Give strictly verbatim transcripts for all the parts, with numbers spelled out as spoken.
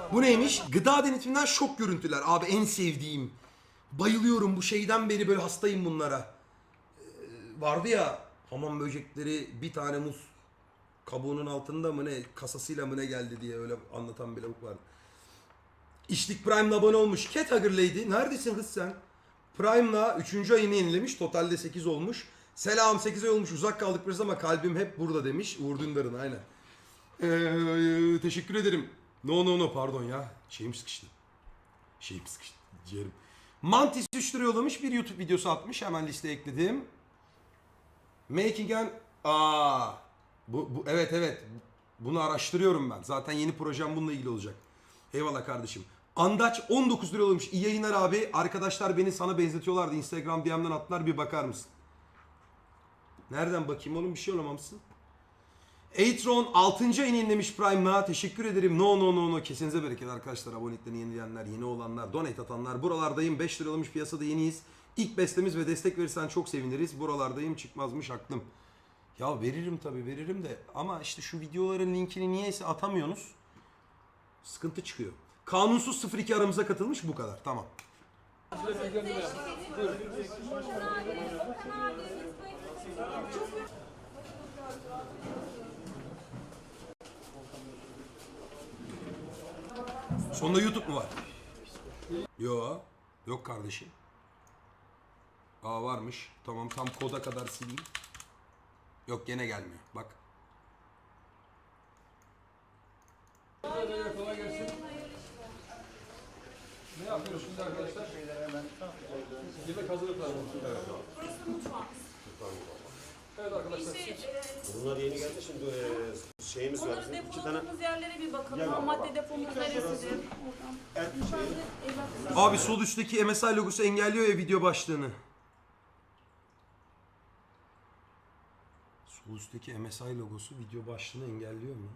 Bu neymiş? Gıda denetiminden şok görüntüler. Abi en sevdiğim. Bayılıyorum bu şeyden beri böyle hastayım bunlara. Ee, vardı ya hamam böcekleri bir tane muz kabuğunun altında mı ne kasasıyla mı ne geldi diye öyle anlatan bir lavuk vardı. İşlik Prime'la abone olmuş. Cat Hugger Lady. Neredesin kız sen? Prime'la üçüncü ayını yenilemiş. Totalde sekiz olmuş. Selam sekiz ay olmuş. Uzak kaldık biraz ama kalbim hep burada demiş. Uğur Dündar'ın aynen. Ee, teşekkür ederim. No no no pardon ya. Şeyim sıkıştı. Şeyim sıkıştı. Ciğerim. Mantis üç lira yollamış. Bir YouTube videosu atmış. Hemen listeye ekledim. Making an... Aa, bu, bu, evet evet. Bunu araştırıyorum ben. Zaten yeni projem bununla ilgili olacak. Eyvallah kardeşim. Andaç on dokuz lira yollamış. İyi yayınlar abi. Arkadaşlar beni sana benzetiyorlardı. Instagram D M'den attılar. Bir bakar mısın? Nereden bakayım oğlum? Bir şey olamamışsın. Eitron altıncı ayını yenilemiş Prime'la. Teşekkür ederim. No no no no. Kesinize bereket arkadaşlar. Aboneliklerini yenileyenler, yeni olanlar, donate atanlar. Buralardayım. beş lira yollamış, piyasada yeniyiz. İlk bestemiz ve destek verirsen çok seviniriz. Buralardayım, çıkmazmış aklım. Ya veririm tabii veririm de. Ama işte şu videoların linkini niyeyse atamıyorsunuz. Sıkıntı çıkıyor. Kanunsuz sıfır iki aramıza katılmış, bu kadar. Tamam. Sonunda YouTube mu var? Yo. Yok kardeşim. Aa varmış. Tamam tam koda kadar sileyim. Yok gene gelmiyor. Bak. Kolay gelsin. Ne yapıyoruz şimdi arkadaşlar? Yemek hazırlıklar mı? Evet. Burası mutfağımız. Evet arkadaşlar. Bunlar yeni geldi şimdi e, şeyimiz var. Onları Bizim iki tane depoladığımız yerlere bir bakalım. Gel Ham baba. madde depomuz neresidir? Oradan. et şeyi. Abi sol üstteki M S I logosu engelliyor ya video başlığını. Sol üstteki M S I logosu video başlığını engelliyor mu?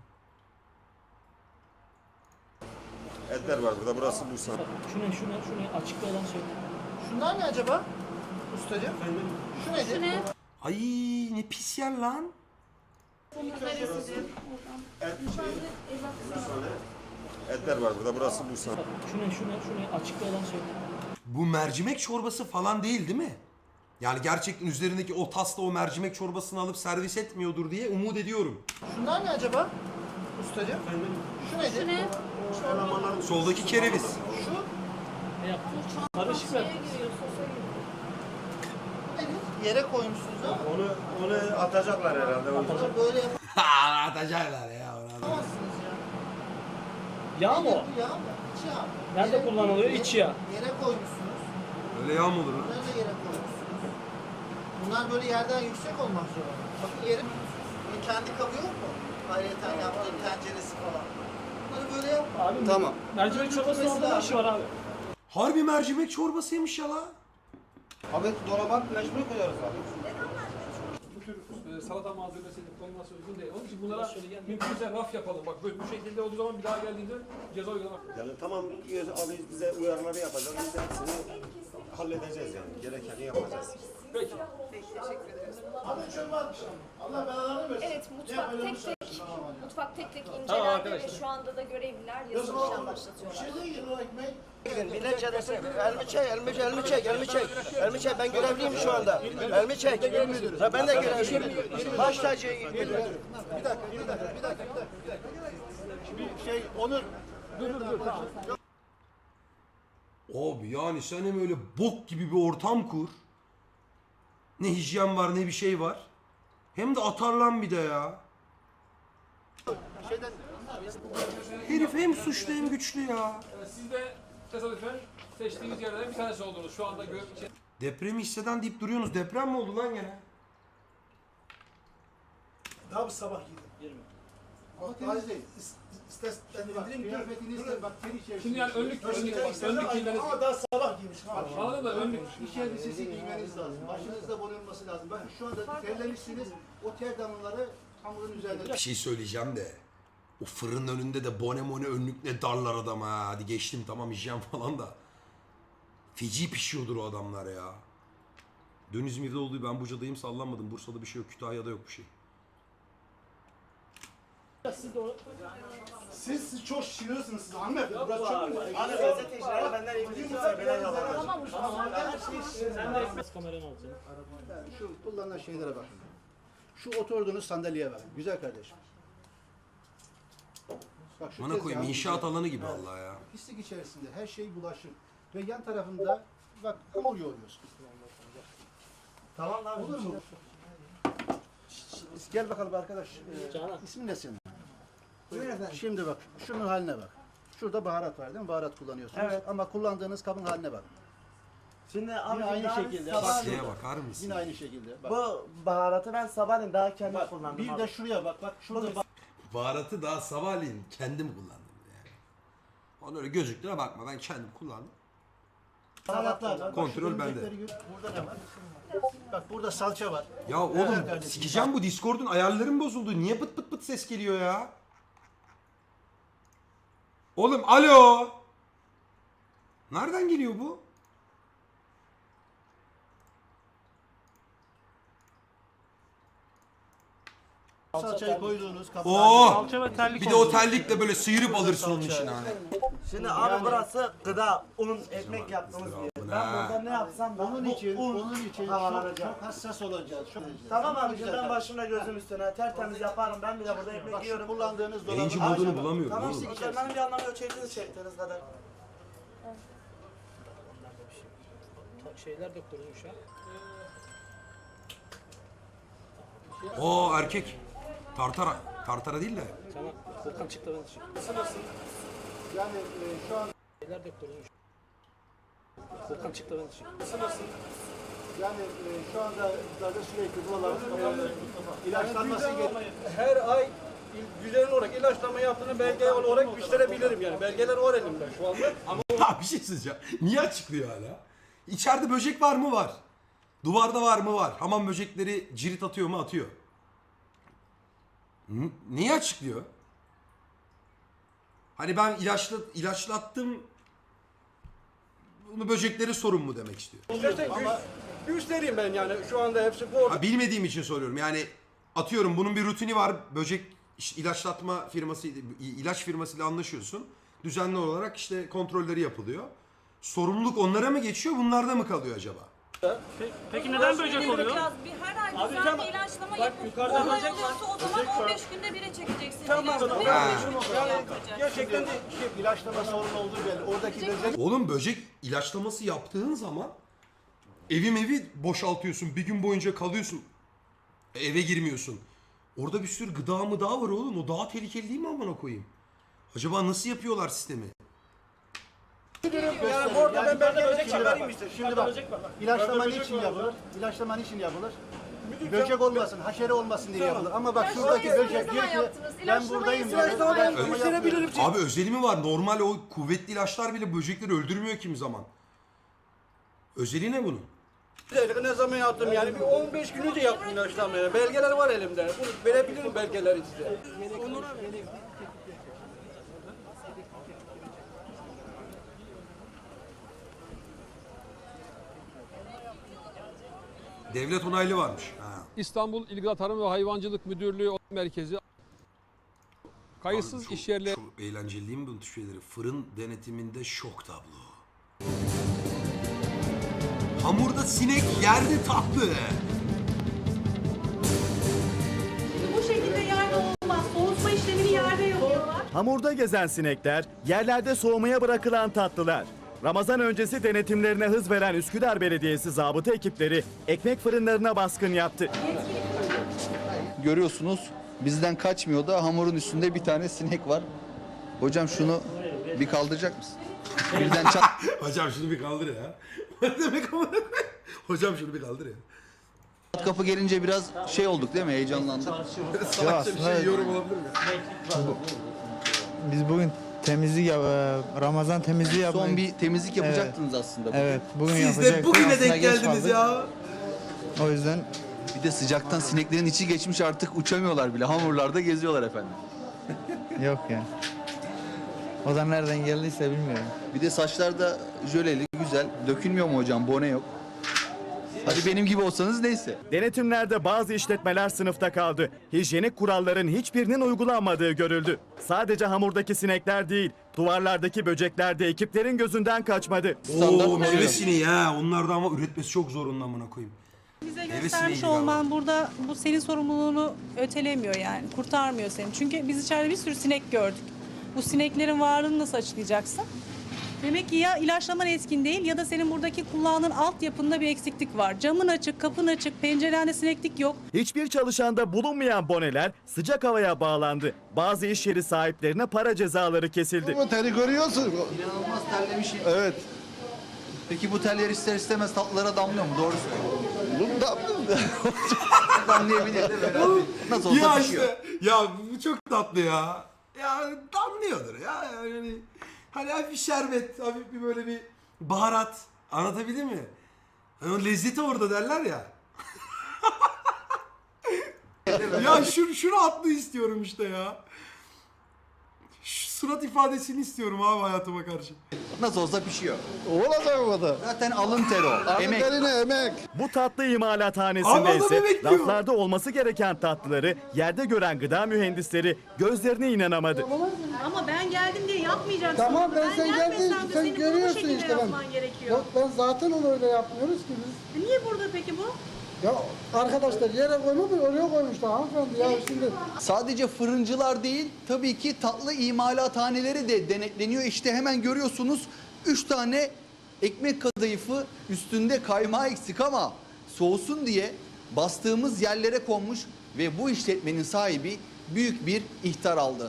etler var burada. Burası Bursa. Şu ne, şu ne, şu ne? Açıkta olan söyle. Şunlar ne acaba? Ustacığım. Şu nedir? Şu ne? Ay ne pis yer lan. Depomuz neresidir? Oradan. Et şeyi. Etler var burada. Burası Bursa. Şu ne, şu ne, şu ne? Açıkta olan söyle. Bu mercimek çorbası falan değil değil mi? Yani gerçekten üzerindeki o tasla o mercimek çorbasını alıp servis etmiyordur diye umut ediyorum. Şunlar ne acaba? Ustacığım. Şu nedir? Şu ne? Soldaki kereviz. Şu Ne yaptın? Karışık ver. Şeye giriyor, sosa giriyor. nedir? Yere koymuşsunuz ama Onu onu atacaklar herhalde. bunu böyle Ha atacaklar ya. Ona. yapamazsınız ya. Yağ mı o? Bu yağ mı? İç yağ mı? Nerede Yere- kullanılıyor? yere- İç yağ. Yere koymuşsunuz. Öyle yağ mı olur lan? Bunları da yere koymuşsunuz. Bunlar böyle yerden yüksek olmak zorunda. Bakın yerin kendi kabı yok mu? Ayrıyeten yaptığım tenceresi falan. Bunları böyle yap. Abi, Tamam. mercimek çorbasının orada ne işi var abi? Harbi mercimek çorbasıymış ya la. Abi dolaba mecbur koyuyoruz abi. Bu tür e, salata malzemesi koyması uygun değil. Onun için bunlara mümkünse raf yapalım. Bak böyle bu şekilde olduğu zaman bir daha geldiğinde ceza uygulamak. Yani tamam abi bize uyarıları yapacağız. Biz de hepsini halledeceğiz yani. Gerekeni yapacağız. Peki. Allah belalarını versin. Evet, mutfak tek tek, mutfak tek tek Tamam incelendi ve arkadaşlar. şu anda da görevliler yazılı işlem başlatıyorlar. Millet çadesi. Elmi çek, elmi, elmi çek, elmi çek. Elmi çek, ben görevliyim şu anda. Elmi çek. Ha, ben de görevliyim. Baş tacı müdürüm. Bir dakika, bir dakika, bir dakika, bir dakika, bir dakika. Bir şey, Onur. Dur dur dur. Tamam. Abi yani sen hem öyle bok gibi bir ortam kur. Ne hijyen var ne bir şey var. Hem de atarlan bir de ya. Şeyden, Herif hem suçlu hem güçlü ya. E, Siz de tesadüfen seçtiğiniz yerlerden bir tanesi oldunuz. Şu anda gör... Depremi hisseden deyip duruyorsunuz. Deprem mi oldu lan gene? Daha bu sabah yedim. Ama temiz değil. İstersen indireyim kıyafetini ister. Bak teri içerisinde. Şimdi yani önlük, önlük, önlük giymeniz... Ama daha sabah giymiş. Anladın mı? Önlük. İş elbisesi giymeniz lazım. Başınızda bulunması lazım. Bakın şu anda terlemişsiniz. O ter damlaları hamurun üzerinde. Bir şey söyleyeceğim de. O fırının önünde de bone mone önlükle darlar adam ha. Hadi geçtim tamam hijyen falan da. Feci pişiyordur o adamlar ya. Dün İzmir'de olduğu ben Buca'dayım sallanmadım. Bursa'da bir şey yok. Kütahya'da yok bir şey. Siz de o... Siz, siz çok şişiriyorsunuz siz hanımefendi. Burası çok Abi gazetecilere benden iyi bilirse bile yalan. Tamam mı? Sen de ekmek kameranı alacaksın. Yani şu kullanılan şeylere bakın. Şu oturduğunuz sandalyeye bakın. Güzel kardeşim. Bak şu Bana koyayım tezgahın inşaat alanı gibi vallahi ya. pislik içerisinde her şey bulaşır. Ve yan tarafında bak hamur yoğuruyorsun. Tamam lan. Olur mu? Gel bakalım arkadaş. Ee, Canan. ismin ne senin? Şimdi bak, şunun haline bak. Şurada baharat var değil mi? Baharat kullanıyorsunuz. Evet. Ama kullandığınız kabın haline bak. Şimdi abi Yine aynı daha şekilde. sabah- Bak, Şeye bakar mısın? yine aynı şekilde. Bak. Bu baharatı ben sabahleyin daha kendim Bak, kullandım. bir abi. de şuraya bak. Bak şurada bak. Baharatı daha sabahleyin kendim kullandım yani. Onu öyle gözüktüğüne bakma ben kendim kullandım. Baharatlar var. Bak, Kontrol şu bende. örümcekleri gör. Burada ne var? Bak burada salça var. Ya oğlum Evet kardeşim, sikeceğim bu Discord'un ayarlarım bozuldu. Niye pıt pıt pıt ses geliyor ya? Oğlum alo. Nereden geliyor bu? Salçayı koyduğunuz kaplar. Oo. Salça ve terlik Bir de o terlikle böyle sıyırıp alırsın onun içine hani. Şimdi abi burası gıda, un, ekmek yaptığımız bir yer. Ben burada ne yapsam da Onun bu için, un onun için çok, havalanacak. çok hassas olacağız. Çok Tamam abi Güzel ben kardeşim. başımla gözüm üstüne tertemiz yaparım. Ben bile burada ekmek Bak şu yiyorum. kullandığınız dolabın Yayıncı haline modunu bak. bulamıyorum Tamam oğlum. işte benim bir anlamı yok. Çektiniz çektiniz kadar. Şeyler de kurulmuş ha. Oo erkek. Tartara. Tartara değil de. Canan. Volkan çıktı ben çık. Yani e, şu an Şeyler de kurulmuş. Volkan çıktı ben çık. yani e, şu anda zaten sürekli buralar ilaçlanması gerekiyor. Her ay düzenli olarak ilaçlama yaptığını belge olarak gösterebilirim yani. Belgeler var elimde şu anda. Ama Ya bir şey söyleyeceğim. Niye açıklıyor hala? İçeride böcek var mı? Var. Duvarda var mı? Var. Hamam böcekleri cirit atıyor mu? Atıyor. N- Niye açıklıyor? Hani ben ilaçla, ilaçlattım. Bunu böcekleri sorun mu demek istiyor? İstersen gö- göstereyim ben yani şu anda hepsi bu orada. Ha, bilmediğim için soruyorum. Yani atıyorum bunun bir rutini var. Böcek işte ilaçlatma firması, ilaç firmasıyla anlaşıyorsun. Düzenli olarak işte kontrolleri yapılıyor. Sorumluluk onlara mı geçiyor, bunlarda mı kalıyor acaba? Peki neden böcek oluyor? Biraz bir her ay Abi düzenli tamam. ilaçlama Bak yapıp yukarıda olay böcek oluyorsa o zaman on beş günde bire çekeceksin Tamam, ilaçlamayı. Ha. on beş günde Yani yapacağız. gerçekten de Şey, ilaçlama sorunu olduğu belli. Oradaki böcek Oğlum böcek ilaçlaması yaptığın zaman evim evi boşaltıyorsun. Bir gün boyunca kalıyorsun. Eve girmiyorsun. Orada bir sürü gıda mı daha var oğlum. O daha tehlikeli değil mi amına koyayım? Acaba nasıl yapıyorlar sistemi? yani bu orada ben belge böcek çıkarayım işte. Şimdi bak, Böcek var. bak. ilaçlama Böcek niçin var. yapılır? İlaçlama niçin yapılır? Böcek olmasın, haşere olmasın diye yapılır. Ama bak şuradaki İlaçlamayı böcek ne diyor zaman ki yaptınız? ben İlaçlamayı buradayım. siz diyor. ne zaman Ben yaptınız? bunu Gösterebilirim. yapıyorum. Abi özelliği mi var? Normal o kuvvetli ilaçlar bile böcekleri öldürmüyor kimi zaman. Özelliği ne bunun? Ne zaman yaptım yani bir on beş günü de yaptım ilaçlamayı. Belgeler var elimde. Bunu verebilirim belgeleri size. Devlet onaylı varmış. Ha. İstanbul İl Gıda Tarım ve Hayvancılık Müdürlüğü Merkezi kayıtsız Abi iş yerleri Çok eğlenceli değil mi bu tür şeyleri? Fırın denetiminde şok tablo. Hamurda sinek, yerde tatlı. Bu şekilde yerde olmaz. Soğutma işlemini yerde yapıyorlar. Hamurda gezen sinekler, yerlerde soğumaya bırakılan tatlılar. Ramazan öncesi denetimlerine hız veren Üsküdar Belediyesi zabıta ekipleri ekmek fırınlarına baskın yaptı. Görüyorsunuz bizden kaçmıyor da hamurun üstünde bir tane sinek var. Hocam şunu bir kaldıracak mısın? Birden çat Hocam şunu bir kaldır ya. Ne demek amına koyayım? Hocam şunu bir kaldır ya. kapı gelince biraz şey olduk değil mi? Heyecanlandık. Salakça bir şey yorum olabilir mi? Biz bugün temizlik, Ramazan temizliği yapmayı... Son bir temizlik yapacaktınız aslında. bugün. Evet, bugün Siz de yapacaktık. bugüne Aslında denk geç geldiniz kaldık. ya. O yüzden Bir de sıcaktan sineklerin içi geçmiş artık uçamıyorlar bile. Hamurlarda geziyorlar efendim. yok yani. O da nereden geldiyse bilmiyorum. Bir de saçlar da jöleli, güzel. Dökülmüyor mu hocam? Bone yok. Hadi benim gibi olsanız neyse. Denetimlerde bazı işletmeler sınıfta kaldı. Hijyenik kuralların hiçbirinin uygulanmadığı görüldü. Sadece hamurdaki sinekler değil, duvarlardaki böcekler de ekiplerin gözünden kaçmadı. Oo meyve sineği ha. Onlar da ama üretmesi çok zor ondan buna koyayım. Bize Meyve göstermiş sineği olman burada bu senin sorumluluğunu ötelemiyor yani. Kurtarmıyor seni. Çünkü biz içeride bir sürü sinek gördük. Bu sineklerin varlığını nasıl açıklayacaksın? Demek ki ya ilaçlaman etkin değil ya da senin buradaki kullandığın altyapında bir eksiklik var. Camın açık, kapın açık, pencerende sineklik yok. Hiçbir çalışanda bulunmayan boneler sıcak havaya bağlandı. Bazı iş yeri sahiplerine para cezaları kesildi. Bu teri görüyorsun. İnanılmaz terlemişim. Evet. Peki bu teller ister istemez tatlılara damlıyor mu? Doğru söylüyorsun. Bu da Damlayabilir de böyle. Nasıl olsa Ya pişiyor. işte ya bu çok tatlı ya. Ya damlıyordur ya. Yani hani hafif şerbet, hafif bir böyle bir baharat. Anlatabildim mi? Hani o lezzeti orada derler ya. Ya şunu, şunu atlı istiyorum işte ya. Şu surat ifadesini istiyorum abi hayatıma karşı. Nasıl olsa pişiyor. olacak o da. Zaten alın teri o. Emek. Terine emek. Bu tatlı imalathanesinde Ama ise adam bekliyor. raflarda olması gereken tatlıları yerde gören gıda mühendisleri gözlerine inanamadı. Ama ben geldim diye yapmayacaksın. Tamam, ben sen gelmesem geldin, de sen senin bunu bu görüyorsun şekilde işte ben. yapman gerekiyor. Yok ben zaten onu öyle yapmıyoruz ki biz. E Niye burada peki bu? Ya arkadaşlar yere koymamış oraya koymuşlar hanımefendi ya şimdi. Sadece fırıncılar değil, tabii ki tatlı imalathaneleri de denetleniyor. İşte hemen görüyorsunuz üç tane ekmek kadayıfı üstünde kaymağı eksik ama soğusun diye bastığımız yerlere konmuş ve bu işletmenin sahibi büyük bir ihtar aldı.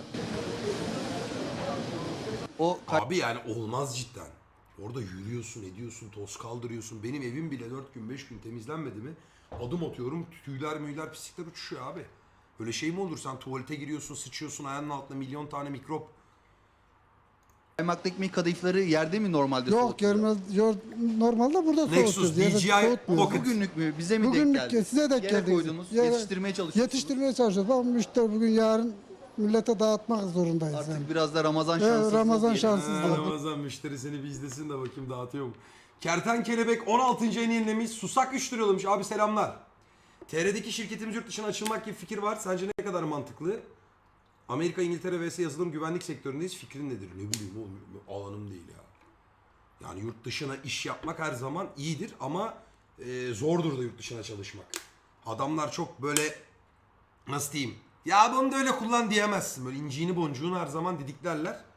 O Abi yani olmaz cidden. Orada yürüyorsun, ediyorsun, toz kaldırıyorsun. Benim evim bile dört gün beş gün temizlenmedi mi? Adım atıyorum, tüyler müyler pislikler uçuşuyor abi. Böyle şey mi olur? Sen tuvalete giriyorsun, sıçıyorsun, ayağının altında milyon tane mikrop. kaymaklı ekmek kadayıfları yerde mi normalde Yok soğutuyor? görmez. Yok, normalde burada Nexus, soğutuyoruz. B yerde G I, soğutmuyoruz. Pocket. Bugünlük mü? Bize mi denk Bugünlük geldi? size denk Yere geldi. koydunuz, Yere- yetiştirmeye çalışıyorsunuz. Yetiştirmeye çalışıyoruz. Bak müşteri bugün yarın millete dağıtmak zorundayız. Artık yani. biraz da Ramazan Evet, şanssızlığı Ramazan diyelim. şanssızlığı. Ha, Ramazan müşteri seni bir izlesin de bakayım dağıtıyor mu? Kertenkelebek on altıncı ayını yenilemiş. Susak üç lira yollamış. Abi selamlar. T R'deki şirketimiz yurt dışına açılmak gibi fikir var. Sence ne kadar mantıklı? Amerika, İngiltere vs yazılım güvenlik sektöründeyiz. Fikrin nedir? Ne bileyim oğlum, alanım değil ya. Yani yurt dışına iş yapmak her zaman iyidir ama e, zordur da yurt dışına çalışmak. Adamlar çok böyle nasıl diyeyim? Ya bunu da öyle kullan diyemezsin. Böyle inciğini boncuğunu her zaman didiklerler.